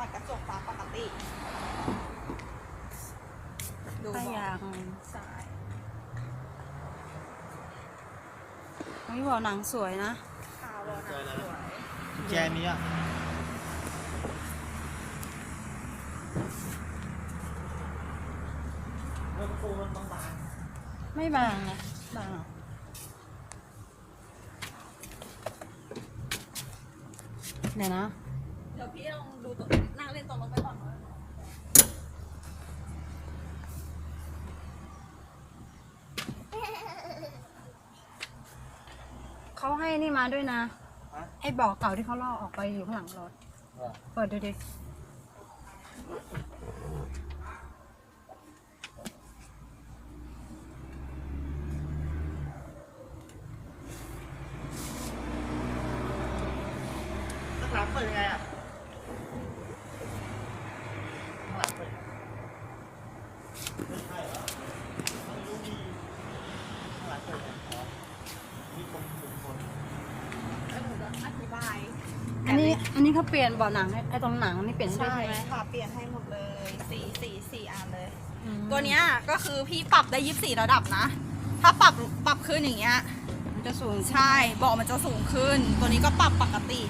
ตัดกระจกฟ้าปกติดูบอกใช่ไม่บอกหนังสวยนะขาวหนังสวยแจมีอ่ะแล้วโคมันบางๆไม่บางนะบางเดี๋ยวนะเดี๋ยวพี่ลองดูตัวนั่งเล่นตรงลงไปก่อนเขาให้นี่มาด้วยนะไอ้บอกเก่าที่เขาลอกออกไปอยู่ข้างหลังรถเปิดดูดิข้างหลังเปิดยังไงอ่ะข้างหลังเปิดไม่ใช่เหรอไม่รู้มีข้างหลังเปิดยังไงอ๋อมีคนแล้วหนูจะอธิบายอันนี้เขาเปลี่ยนเบาะหนังไอ้ตรงหนังนี่เปลี่ยนให้ด้วยใช่ไหมค่ะเปลี่ยนให้หมดเลยสี่อันเลยตัวเนี้ยก็คือพี่ปรับได้24ระดับนะถ้าปรับขึ้นอย่างเงี้ยมันจะสูงใช่เบาะมันจะสูงขึ้นตัวนี้ก็ปรับปกติ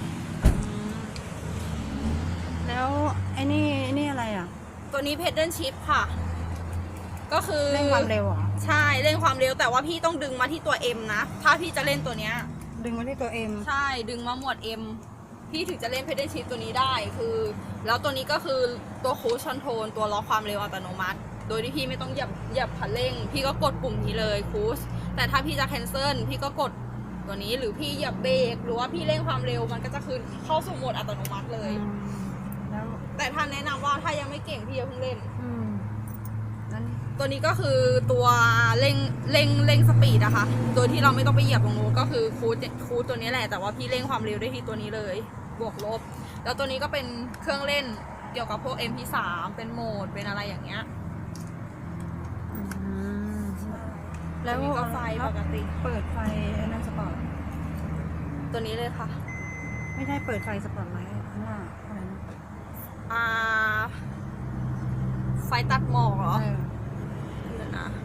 แล้วไอ้นี่อะไรอ่ะตัวนี้เพดเดิลชิปค่ะก็คือเร่งความเร็วอ่ะใช่เร่งความเร็วแต่ว่าพี่ต้องดึงมาที่ตัว M นะถ้าพี่จะเล่นตัวเนี้ยดึงมาที่ตัว M ใช่ดึงมาหมวด M พี่ถึงจะเล่นเพดเดิลชิปตัวนี้ได้คือแล้วตัวนี้ก็คือตัวคูชคอนโทรลตัวล็อกความเร็วอัตโนมัติโดยที่พี่ไม่ต้องเหยียบคันเร่งพี่ก็กดปุ่มนี้เลยคูชแต่ถ้าพี่จะแคนเซิลพี่ก็กดตัวนี้หรือพี่เหยียบเบรกหรือว่าพี่เร่งความเร็วมันก็จะคืนเข้าสู่โหมดอัตโนมัติเลยแล้วแต่ท่านแนะนำว่าถ้ายังไม่เก่งพี่อย่าเพิ่งเล่นนั้นตัวนี้ก็คือตัวเร่งสปีดอะค่ะโดยที่เราไม่ต้องไปเหยียบตรงนู้นก็คือคูดตัวนี้แหละแต่ว่าพี่เร่งความเร็วได้ที่ตัวนี้เลยบวกลบแล้วตัวนี้ก็เป็นเครื่องเล่นเกี่ยวกับพวก MP3 เป็นโหมดเป็นอะไรอย่างเงี้ยแล้วก็ไฟปกติเปิดไฟนั่นสปอร์ตตัวนี้เลยค่ะไม่ใช่เปิดไฟสปอร์ตไลท์ข้างหน้าอะไรนะไฟตัดหมอกเหรอเดี๋ยวนะ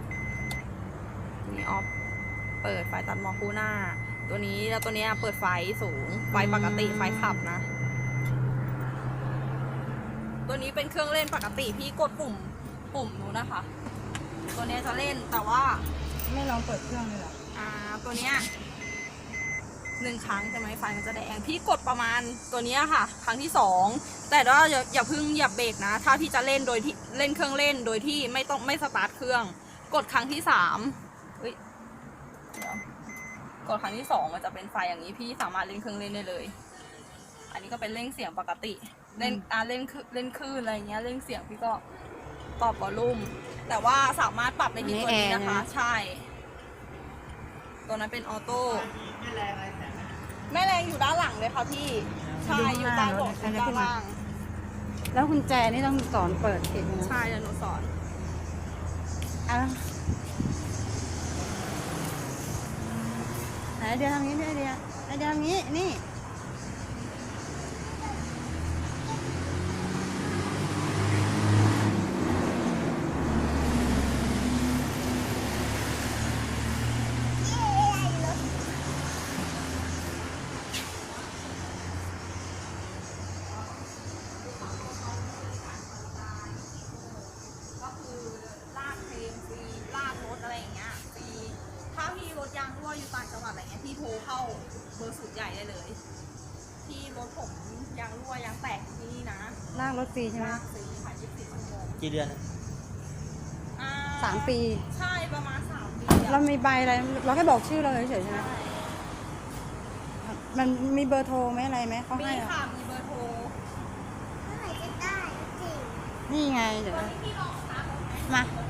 นี่ออฟเปิดไฟตัดหมอกคู่หน้าตัวนี้แล้วตัวนี้เปิดไฟสูงไฟปกติไฟขับนะตัวนี้เป็นเครื่องเล่นปกติพี่กดปุ่มนู้นนะคะตัวนี้จะเล่นแต่ว่าไม่ลองเปิดเครื่องเลยเหรอตัวเนี้ย1 ครั้งใช่ไหมไฟมันจะแดงพี่กดประมาณตัวนี้ค่ะครั้งที่2แต่ว่าอย่าเพิ่งเหยียบเบรกนะถ้าพี่จะเล่นโดยที่เล่นเครื่องเล่นโดยที่ไม่สตาร์ทเครื่องกดครั้งที่3กดครั้งที่2มันจะเป็นไฟอย่างนี้พี่สามารถเล่นเครื่องเล่นได้เลยอันนี้ก็เป็นเร่งเสียงปกติเล่นเล่นคลื่นอะไรเงี้ยเร่งเสียงพี่ก็ปรับวอลลุ่มแต่ว่าสามารถปรับในที่ตัวนี้นะคะใช่ตัวนั้นเป็นออโต้แม่แรงอยู่ด้านหลังเลยค่ะพี่ใช่อยู่ใต้เบาะด้านล่างแล้วกุญแจนี่ต้องสอนเปิดเองนะใช่เดี๋ยวหนูสอนไหนเดี๋ยวทำนี้เดี๋ยวทำนี้นี่ยางรั่วอยู่ต่างจังหวัดอะไรเงี้ยพี่โทรเข้าเบอร์ศูนย์ใหญ่ได้เลยที่รถผมยางรั่วยางแตกที่นี่นะลากรถฟรีใช่ไหมลากฟรีค่ะ24 ชั่วโมงกี่เดือน 3 ปีใช่ประมาณ3 ปีเรามีใบอะไรเราแค่บอกชื่อเราเฉยๆใช่ไหมมันมีเบอร์โทรไหมอะไรไหมเขาให้ค่ะมีเบอร์โทรเมื่อไหร่จะได้จริงนี่ไงเดี๋ยวพี่ลองสตาร์ทรถไหมมา